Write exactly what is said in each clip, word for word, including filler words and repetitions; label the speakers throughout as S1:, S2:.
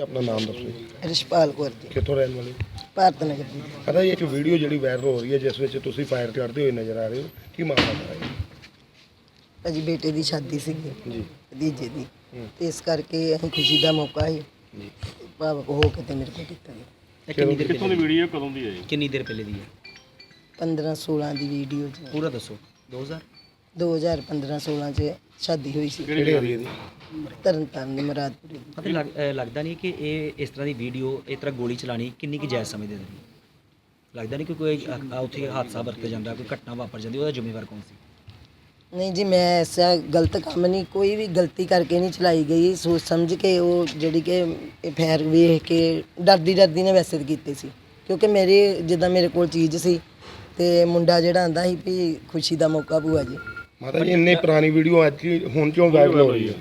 S1: ਆਪਣਾ ਨਾਮ ਦੱਸੋ ਜੀ।
S2: ਰਿਸ਼ਪਾਲ ਕੌਰ ਜੀ,
S1: ਕਿੱਥੋਂ ਰਹਿਣ ਵਾਲੇ?
S2: ਭਾਰਤ ਨਗਰ ਦੀ।
S1: ਪਤਾ ਜੀ ਇੱਕ ਵੀਡੀਓ ਜਿਹੜੀ ਵਾਇਰਲ ਹੋ ਰਹੀ ਹੈ ਜਿਸ ਵਿੱਚ ਤੁਸੀਂ ਫਾਇਰ ਕਰਦੇ ਹੋਏ ਨਜ਼ਰ ਆ ਰਹੇ ਹੋ, ਕੀ ਮਾਮਲਾ ਹੈ?
S2: ਭਾਜੀ ਬੇਟੇ ਦੀ ਸ਼ਾਦੀ ਸੀਗੀ
S1: ਜੀ
S2: ਭਤੀਜੇ ਦੀ,
S1: ਹੂੰ।
S2: ਤੇ ਇਸ ਕਰਕੇ ਅਸੀਂ ਖੁਸ਼ੀ ਦਾ ਮੌਕਾ ਸੀ
S1: ਜੀ
S2: ਭਾਵਕ ਹੋ ਕੇ ਤੇ ਮੇਰੇ ਕੋਲ ਕੀਤਾ ਗਿਆ।
S3: ਇਹ ਕਿੰਨੀ ਦੇਰ
S4: ਕਿੱਥੋਂ ਦੀ ਵੀਡੀਓ ਕਦੋਂ ਦੀ ਹੈ ਜੀ?
S3: ਕਿੰਨੀ ਦੇਰ ਪਹਿਲੇ ਦੀ ਹੈ?
S2: ਪੰਦਰਾਂ ਸੋਲਾਂ ਦੀ ਵੀਡੀਓ ਚ
S3: ਪੂਰਾ ਦੱਸੋ। ਦੋ ਹਜ਼ਾਰ
S2: ਦੋ ਹਜ਼ਾਰ ਪੰਦਰਾਂ ਸੋਲਾਂ ਚ ਸ਼ਾਦੀ ਹੋਈ ਸੀ
S1: ਕਿਹੜੇ ਏਰੀਆ ਦੀ?
S2: ਤਰਨ ਤਾਰਨ ਦੀ ਮੁਰਾਦਪੁਰ।
S3: ਪਤਾ ਲੱਗ ਅਹ ਲੱਗਦਾ ਨਹੀਂ ਕਿ ਇਹ ਇਸ ਤਰ੍ਹਾਂ ਦੀ ਵੀਡੀਓ ਇਸ ਤਰ੍ਹਾਂ ਗੋਲੀ ਚਲਾਣੀ ਕਿੰਨੀ ਕੁ ਜਾਇਜ਼ ਸਮਝਦੇ ਨੇ? ਲੱਗਦਾ ਨਹੀਂ ਕਿ ਕੋਈ ਅ- ਉੱਥੇ ਹਾਦਸਾ ਵਰਤ ਜਾਂਦਾ, ਕੋਈ ਘਟਨਾ ਵਾਪਰ ਜਾਂਦੀ, ਉਹਦਾ ਜ਼ਿੰਮੇਵਾਰ ਕੌਣ ਸੀ?
S2: ਨਹੀਂ ਜੀ, ਮੈਂ ਐਸਾ ਗਲਤ ਕੰਮ ਨਹੀਂ, ਕੋਈ ਵੀ ਗਲਤੀ ਕਰਕੇ ਨਹੀਂ ਚਲਾਈ ਗਈ, ਸੋਚ ਸਮਝ ਕੇ ਉਹ ਜਿਹੜੀ ਕਿ ਇਹ ਫੈਰ ਵੇਖ ਕੇ ਡਰਦੀ ਡਰਦੀ ਨੇ ਵੈਸੇ ਤਾਂ ਕੀਤੇ ਸੀ, ਕਿਉਂਕਿ ਮੇਰੇ ਜਿੱਦਾਂ ਮੇਰੇ ਕੋਲ ਚੀਜ਼ ਸੀ ਤੇ ਮੁੰਡਾ ਜਿਹੜਾ ਆਂਦਾ ਸੀ ਵੀ ਖੁਸ਼ੀ ਦਾ ਮੌਕਾ ਭੂਆ ਜੀ।
S1: ਮਾਤਾ ਜੀ ਇੰਨੀ ਪੁਰਾਣੀ ਵੀਡੀਓ ਅੱਜ ਹੀ ਹੁਣ ਕਿਉਂ ਵਾਇਰਲ ਹੋ ਰਹੀ ਹੈ?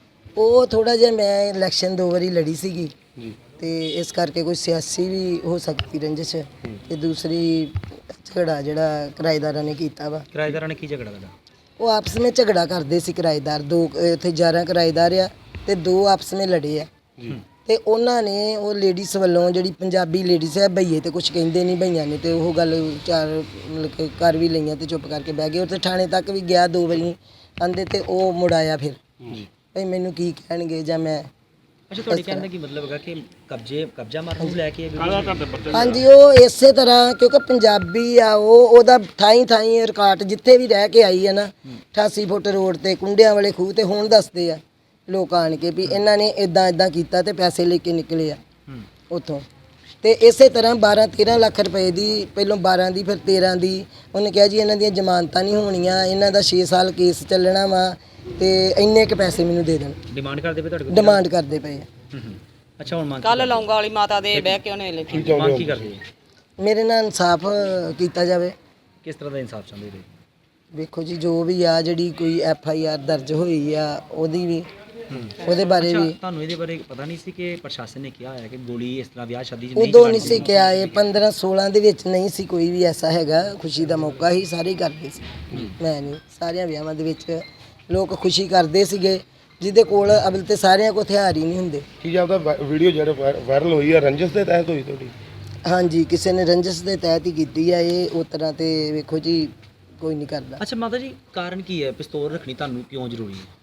S2: ਉਹ ਥੋੜਾ ਜਿਹਾ ਮੈਂ ਇਲੈਕਸ਼ਨ ਦੋ ਵਾਰੀ ਲੜੀ ਸੀਗੀ
S1: ਜੀ
S2: ਤੇ ਇਸ ਕਰਕੇ ਕੋਈ ਸਿਆਸੀ ਵੀ ਹੋ ਸਕਦੀ ਰੰਜਿਸ਼, ਤੇ ਦੂਸਰੀ ਝਗੜਾ ਜਿਹੜਾ ਕਿਰਾਏਦਾਰਾਂ ਨੇ ਕੀਤਾ ਵਾ।
S3: ਕਿਰਾਏਦਾਰਾਂ ਨੇ ਕੀ ਝਗੜਾ ਤੁਹਾਡਾ?
S2: ਉਹ ਆਪਸ ਵਿੱਚ ਝਗੜਾ ਕਰਦੇ ਸੀ ਕਿਰਾਏਦਾਰ, ਦੋ ਇੱਥੇ ਗਿਆਰਾਂ ਕਿਰਾਏਦਾਰ ਆ ਤੇ ਦੋ ਆਪਸ ਵਿੱਚ ਲੜੇ ਆ।
S1: ਜੀ
S2: ਤੇ ਉਹਨਾਂ ਨੇ ਉਹ ਲੇਡੀਜ਼ ਵੱਲੋਂ ਜਿਹੜੀ ਪੰਜਾਬੀ ਲੇਡੀਜ਼ ਹੈ ਭਈਏ ਤੇ ਕੁਝ ਕਹਿੰਦੇ ਨਹੀਂ ਭਈਆਂ ਨੇ, ਤੇ ਉਹ ਗੱਲ ਚਾਰ ਮਤਲਬ ਕਿ ਕਰ ਵੀ ਲਈਆਂ ਤੇ ਚੁੱਪ ਕਰਕੇ ਬਹਿ ਗਏ। ਉੱਥੇ ਥਾਣੇ ਤੱਕ ਵੀ ਗਿਆ ਦੋ ਵਾਰੀ ਆਂਦੇ, ਤੇ ਉਹ ਮੁੜ ਆਇਆ ਫਿਰ
S1: ਜੀ
S2: ਭਈ ਮੈਨੂੰ ਕੀ ਕਹਿਣਗੇ ਜਾਂ ਮੈਂ।
S3: ਅੱਛਾ, ਤੁਹਾਡੇ ਕਹਿਣ ਦਾ ਕੀ ਮਤਲਬ ਹੈਗਾ ਕਿ ਕਬਜ਼ੇ ਕਬਜ਼ਾ ਮਾਰਨ ਨੂੰ ਲੈ ਕੇ ਇਹ video
S4: ਕਾਹਦਾ ਤੁਹਾਡੇ ਬੱਚੇ
S2: ਹਾਂਜੀ, ਉਹ ਇਸੇ ਤਰ੍ਹਾਂ ਕਿਉਂਕਿ ਪੰਜਾਬੀ ਆ, ਉਹ ਉਹਦਾ ਥਾਈ ਥਾਈ ਰਿਕਾਰਡ ਜਿੱਥੇ ਵੀ ਰਹਿ ਕੇ ਆਈ ਹੈ ਨਾ, ਅਠਾਸੀ ਫੁੱਟ ਰੋਡ ਤੇ ਕੁੰਡਿਆਂ ਵਾਲੇ ਖੂਹ ਤੇ ਹੁਣ ਦੱਸਦੇ ਆ ਲੋਕ ਆਣ ਕੇ ਵੀ ਇਹਨਾਂ ਨੇ ਇਦਾਂ ਇਦਾਂ ਕੀਤਾ ਤੇ ਪੈਸੇ ਲੈ ਕੇ ਨਿਕਲੇ ਆ ਉੱਥੋਂ। ਤੇ ਇਸੇ ਤਰ੍ਹਾਂ ਬਾਰਾਂ ਤੇਰਾਂ ਲੱਖ ਰੁਪਏ ਦੀ, ਪਹਿਲੋਂ ਬਾਰਾਂ ਦੀ ਫਿਰ ਤੇਰਾਂ ਦੀ, ਉਹਨੇ ਕਿਹਾ ਜੀ ਇਹਨਾਂ ਦੀਆਂ ਜ਼ਮਾਨਤਾਂ ਨਹੀਂ ਹੋਣੀਆਂ, ਇਹਨਾਂ ਦਾ ਛੇ ਸਾਲ ਕੇਸ ਚੱਲਣਾ ਵਾ ਤੇ ਇੰਨੇ ਕੁ ਪੈਸੇ ਮੈਨੂੰ ਦੇ ਦੇਣ,
S3: ਡਿਮਾਂਡ ਕਰਦੇ ਪਏ ਤੁਹਾਡੇ ਕੋਲ?
S2: ਡਿਮਾਂਡ ਕਰਦੇ ਪਏ ਆ।
S3: ਹੂੰ ਹੂੰ। ਅੱਛਾ, ਹੁਣ ਮੰਗ
S5: ਕੱਲ ਲੌਂਗਾ ਵਾਲੀ ਮਾਤਾ ਦੇ ਬਹਿ ਕੇ ਉਹਨੇ ਲਿਖੀ।
S1: ਕੀ ਚਾਹੁੰਦੇ
S3: ਮੰਗ
S1: ਹੋ?
S3: ਕੀ ਕਰਦੇ ਹੋ?
S2: ਮੇਰੇ ਨਾਲ ਇਨਸਾਫ ਕੀਤਾ ਜਾਵੇ।
S3: ਕਿਸ ਤਰ੍ਹਾਂ ਦਾ ਇਨਸਾਫ ਚਾਹੁੰਦੇ ਹੋ?
S2: ਵੇਖੋ ਜੀ, ਜੋ ਵੀ ਆ ਜਿਹੜੀ ਕੋਈ ਐਫ ਆਈ ਆਰ ਦਰਜ ਹੋਈ ਆ ਉਹਦੀ ਵੀ, ਉਹਦੇ ਬਾਰੇ
S3: ਅੱਛਾ,
S2: ਵੀ
S3: ਤੁਹਾਨੂੰ ਇਹਦੇ ਬਾਰੇ ਪਤਾ ਨਹੀਂ ਸੀ ਕਿ ਪ੍ਰਸ਼ਾਸਨ ਨੇ ਕਿਹਾ ਹੋਇਆ ਕਿ ਗੋਲੀ ਇਸ ਤਰ੍ਹਾਂ ਵਿਆਹ ਸ਼ਾਦੀ 'ਚ ਨਹੀਂ
S2: ਉਦੋਂ ਨਹੀਂ ਸੀ ਕਿਹਾ, ਇਹ ਪੰਦਰਾਂ ਸੋਲਾਂ ਦੇ ਵਿੱਚ ਨਹੀਂ ਸੀ ਕੋਈ ਵੀ ਐਸਾ ਹੈਗਾ। ਖੁਸ਼ੀ ਦਾ ਮੌਕਾ ਹੀ ਸਾਰੇ ਹੀ ਕਰਦੇ ਸੀ, ਮੈਂ ਨਹੀਂ। ਸਾਰਿਆਂ ਵਿਆਹਾਂ ਦੇ ਵਿੱਚ ਲੋਕ ਖੁਸ਼ੀ ਕਰਦੇ ਸੀਗੇ, ਜਿਹਦੇ ਕੋਲ ਅਬਲ ਤੇ ਸਾਰਿਆਂ ਕੋਲ ਹਥਿਆਰ ਹੀ ਨਹੀਂ ਹੁੰਦੇ।
S1: ਕੀ ਜਾਂਦਾ ਵੀਡੀਓ ਜਿਹੜਾ ਵਾਇਰਲ ਹੋਈ ਹੈ ਰੰਜਿਸ਼ ਦੇ ਤਹਿਤ ਹੋਈ ਤੁਹਾਡੀ?
S2: ਹਾਂਜੀ, ਕਿਸੇ ਨੇ ਰੰਜਿਸ਼ ਦੇ ਤਹਿਤ ਹੀ ਕੀਤੀ ਆ ਇਹ। ਉਸ ਤਰ੍ਹਾਂ ਤੇ ਵੇਖੋ ਜੀ ਕੋਈ ਨਹੀਂ ਕਰਦਾ।
S3: ਅੱਛਾ ਮਾਤਾ ਜੀ, ਕਾਰਨ ਕੀ ਹੈ ਪਿਸਤੌਲ ਰੱਖਣੀ ਤੁਹਾਨੂੰ ਕਿਉਂ ਜ਼ਰੂਰੀ ਹੈ?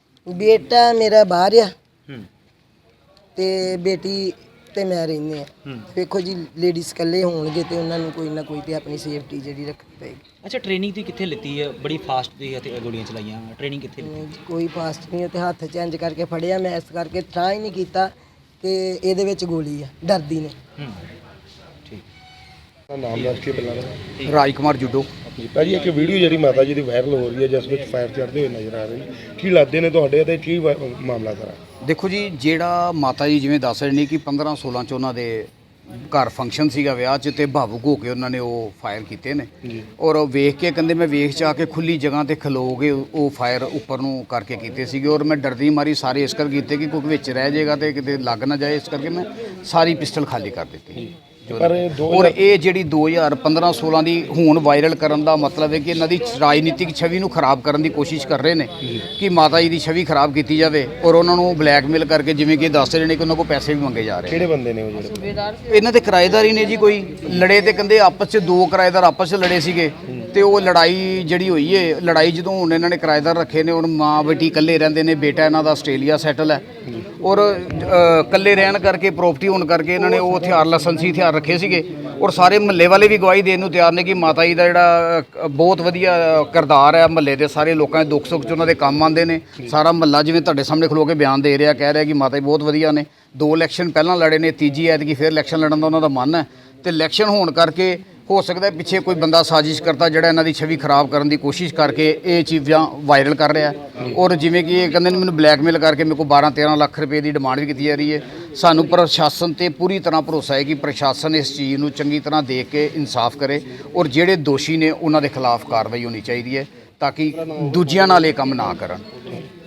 S2: ਬੇਟਾ ਮੇਰਾ ਬਾਹਰ ਆ
S3: ਹੂੰ
S2: ਤੇ ਬੇਟੀ ਤੇ ਮੈਂ ਰਹਿੰਦੇ ਆ।
S3: ਹੂੰ।
S2: ਵੇਖੋ ਜੀ, ਲੇਡੀਜ਼ ਇਕੱਲੇ ਹੋਣਗੇ ਤੇ ਉਹਨਾਂ ਨੂੰ ਕੋਈ ਨਾ ਕੋਈ ਤੇ ਆਪਣੀ ਸੇਫਟੀ ਜਿਹੜੀ ਰੱਖਣੀ ਪਏਗੀ।
S3: ਅੱਛਾ, ਟ੍ਰੇਨਿੰਗ ਤੁਸੀਂ ਕਿੱਥੇ ਲਿੱਤੀ ਹੈ? ਬੜੀ ਫਾਸਟ ਤੁਸੀਂ ਅਤੇ ਗੋਲੀਆਂ ਚਲਾਈਆਂ, ਟ੍ਰੇਨਿੰਗ ਕਿੱਥੇ ਲਿੱਤੀ?
S2: ਨਹੀਂ ਜੀ, ਕੋਈ ਫਾਸਟ ਨਹੀਂ, ਤੇ ਹੱਥ ਚੇਂਜ ਕਰਕੇ ਫੜਿਆ ਮੈਂ, ਇਸ ਕਰਕੇ ਟਰਾਈ ਹੀ ਨਹੀਂ ਕੀਤਾ ਕਿ ਇਹਦੇ ਵਿੱਚ ਗੋਲੀ ਆ, ਡਰਦੀ ਨੇ।
S3: ਹੂੰ ਠੀਕ।
S1: ਆਪਣਾ ਨਾਮ ਦੱਸ ਕੇ ਪਹਿਲਾਂ।
S6: ਰਾਜ ਕੁਮਾਰ ਜੁੱਡੋ।
S1: ਜੀ ਭਾਜੀ ਇੱਕ ਵੀਡੀਓ ਜਿਹੜੀ ਮਾਤਾ ਜੀ ਦੀ ਵਾਇਰਲ ਹੋ ਰਹੀ ਹੈ ਜਿਸ ਵਿੱਚ ਫਾਇਰ ਚੜ੍ਹਦੇ ਹੋਏ ਨਜ਼ਰ ਆ ਰਹੇ ਨੇ, ਕੀ ਲੱਗਦੇ ਨੇ ਤੁਹਾਡੇ ਤੇ ਕੀ ਵਾ- ਮਾਮਲਾ ਸਾਰਾ?
S6: ਦੇਖੋ ਜੀ, ਜਿਹੜਾ ਮਾਤਾ ਜੀ ਜਿਵੇਂ ਦੱਸ ਰਹੇ ਨੇ ਕਿ ਪੰਦਰਾਂ ਸੋਲਾਂ ਚ ਉਹਨਾਂ ਦੇ ਘਰ ਫੰਕਸ਼ਨ ਸੀਗਾ ਵਿਆਹ 'ਚ, ਤੇ ਭਾਵੁਕ ਹੋ ਕੇ ਉਹਨਾਂ ਨੇ ਉਹ ਫਾਇਰ ਕੀਤੇ ਨੇ।
S1: ਜੀ
S6: ਔਰ ਉਹ ਵੇਖ ਕੇ ਕਹਿੰਦੇ ਮੈਂ ਵੇਖ ਚਾ ਕੇ ਖੁੱਲੀ ਜਗ੍ਹਾ ਤੇ ਖਲੋ ਕੇ ਉਹ ਫਾਇਰ ਉੱਪਰ ਨੂੰ ਕਰਕੇ ਕੀਤੇ ਸੀਗੇ। ਔਰ ਮੈਂ ਡਰਦੀ ਮਾਰੀ ਸਾਰੇ ਇਸ ਕਰ ਕੀਤੇ ਕਿ ਕੋਈ ਵਿੱਚ ਰਹਿ ਜਾਏਗਾ ਤੇ ਕਿਤੇ ਲੱਗ ਨਾ ਜਾਏ, ਇਸ ਕਰਕੇ ਮੈਂ ਸਾਰੀ ਪਿਸਟਲ ਖਾਲੀ ਕਰ ਦਿੱਤੀ।
S1: ਪਰ ਇਹ ਦੋ
S6: ਔਰ ਇਹ ਜਿਹੜੀ ਦੋ ਹਜ਼ਾਰ ਪੰਦਰਾਂ ਸੋਲਾਂ ਦੀ ਹੁਣ ਵਾਇਰਲ ਕਰਨ ਦਾ ਮਤਲਬ ਹੈ ਕਿ ਇਹਨਾਂ ਦੀ ਰਾਜਨੀਤਿਕ ਛਵੀ ਨੂੰ ਖਰਾਬ ਕਰਨ ਦੀ ਕੋਸ਼ਿਸ਼ ਕਰ ਰਹੇ ਨੇ ਕਿ ਮਾਤਾ ਜੀ ਦੀ ਛਵੀ ਖਰਾਬ ਕੀਤੀ ਜਾਵੇ, ਔਰ ਉਹਨਾਂ ਨੂੰ ਬਲੈਕਮੇਲ ਕਰਕੇ, ਜਿਵੇਂ ਕਿ ਦੱਸ ਰਹੇ ਨੇ ਕਿ ਉਹਨਾਂ ਕੋਲ ਪੈਸੇ ਵੀ ਮੰਗੇ ਜਾ ਰਹੇ
S1: ਕਿਹੜੇ ਬੰਦੇ ਨੇ ਉਹ ਜਿਹੜੇ?
S6: ਨੇ। ਇਹਨਾਂ ਦੇ ਕਿਰਾਏਦਾਰ ਹੀ ਨੇ ਜੀ, ਕੋਈ ਲੜੇ ਤੇ ਕਹਿੰਦੇ ਆਪਸ 'ਚ ਦੋ ਕਿਰਾਏਦਾਰ ਆਪਸ 'ਚ ਲੜੇ ਸੀਗੇ, ਤੇ ਉਹ ਲੜਾਈ ਜਿਹੜੀ ਹੋਈ ਏ, ਲੜਾਈ ਜਦੋਂ ਹੁਣ ਇਹਨਾਂ ਨੇ ਕਿਰਾਏਦਾਰ ਰੱਖੇ ਨੇ, ਹੁਣ ਮਾਂ ਬੇਟੀ ਇਕੱਲੇ ਰਹਿੰਦੇ ਨੇ, ਬੇਟਾ ਇਹਨਾਂ ਦਾ ਆਸਟ੍ਰੇਲੀਆ ਸੈਟਲ ਹੈ, ਔਰ ਅ, ਇਕੱਲੇ ਰਹਿਣ ਕਰਕੇ ਪ੍ਰਾਪਰਟੀ ਹੋਣ ਕਰਕੇ ਇਹਨਾਂ ਨੇ ਉਹ ਹਥਿਆਰ ਲਾਇਸੈਂਸੀ ਹਥਿਆਰ ਰੱਖੇ ਸੀਗੇ। ਔਰ ਸਾਰੇ ਮਹੱਲੇ ਵਾਲੇ ਵੀ ਗਵਾਹੀ ਦੇਣ ਨੂੰ ਤਿਆਰ ਨੇ ਕਿ ਮਾਤਾ ਜੀ ਦਾ ਜਿਹੜਾ ਅ, ਬਹੁਤ ਵਧੀਆ ਕਿਰਦਾਰ ਹੈ, ਮਹੱਲੇ ਦੇ ਸਾਰੇ ਲੋਕਾਂ ਦੇ ਦੁੱਖ ਸੁੱਖ 'ਚ ਉਹਨਾਂ ਦੇ ਕੰਮ ਆਉਂਦੇ ਨੇ। ਸਾਰਾ ਮਹੱਲਾ ਜਿਵੇਂ ਤੁਹਾਡੇ ਸਾਹਮਣੇ ਖਲੋ ਕੇ ਬਿਆਨ ਦੇ ਰਿਹਾ, ਕਹਿ ਰਿਹਾ ਕਿ ਮਾਤਾ ਜੀ ਬਹੁਤ ਵਧੀਆ ਨੇ। ਦੋ ਇਲੈਕਸ਼ਨ ਪਹਿਲਾਂ ਲੜੇ ਨੇ, ਤੀਜੀ ਐਤਕੀ ਫਿਰ ਇਲੈਕਸ਼ਨ ਲੜਨ ਦਾ ਉਹਨਾਂ ਦਾ ਮਨ ਹੈ, ਤੇ ਇਲੈਕਸ਼ਨ ਹੋਣ ਕਰਕੇ ਹੋ ਸਕਦਾ ਪਿੱਛੇ ਕੋਈ ਬੰਦਾ ਸਾਜ਼ਿਸ਼ ਕਰਤਾ ਜਿਹੜਾ ਇਹਨਾਂ ਦੀ ਛਵੀ ਖਰਾਬ ਕਰਨ ਦੀ ਕੋਸ਼ਿਸ਼ ਕਰਕੇ ਇਹ ਚੀਜ਼ਾਂ ਵਾਇਰਲ ਕਰ ਰਿਹਾ। ਔਰ ਜਿਵੇਂ ਕਿ ਇਹ ਕਹਿੰਦੇ ਨੇ ਮੈਨੂੰ ਬਲੈਕਮੇਲ ਕਰਕੇ ਮੇਰੇ ਕੋਲ ਬਾਰਾਂ ਤੇਰਾਂ ਲੱਖ ਰੁਪਏ ਦੀ ਡਿਮਾਂਡ ਵੀ ਕੀਤੀ ਜਾ ਰਹੀ ਹੈ। ਸਾਨੂੰ ਪ੍ਰਸ਼ਾਸਨ ਤੇ ਪੂਰੀ ਤਰ੍ਹਾਂ ਭਰੋਸਾ ਹੈ ਕਿ ਪ੍ਰਸ਼ਾਸਨ ਇਸ ਚੀਜ਼ ਨੂੰ ਚੰਗੀ ਤਰ੍ਹਾਂ ਦੇਖ ਕੇ ਇਨਸਾਫ ਕਰੇ, ਔਰ ਜਿਹੜੇ ਦੋਸ਼ੀ ਨੇ ਉਹਨਾਂ ਦੇ ਖਿਲਾਫ ਕਾਰਵਾਈ ਹੋਣੀ ਚਾਹੀਦੀ ਹੈ ਤਾਂ ਕਿ ਦੂਜਿਆਂ ਨਾਲ ਇਹ ਕੰਮ ਨਾ ਕਰਨ।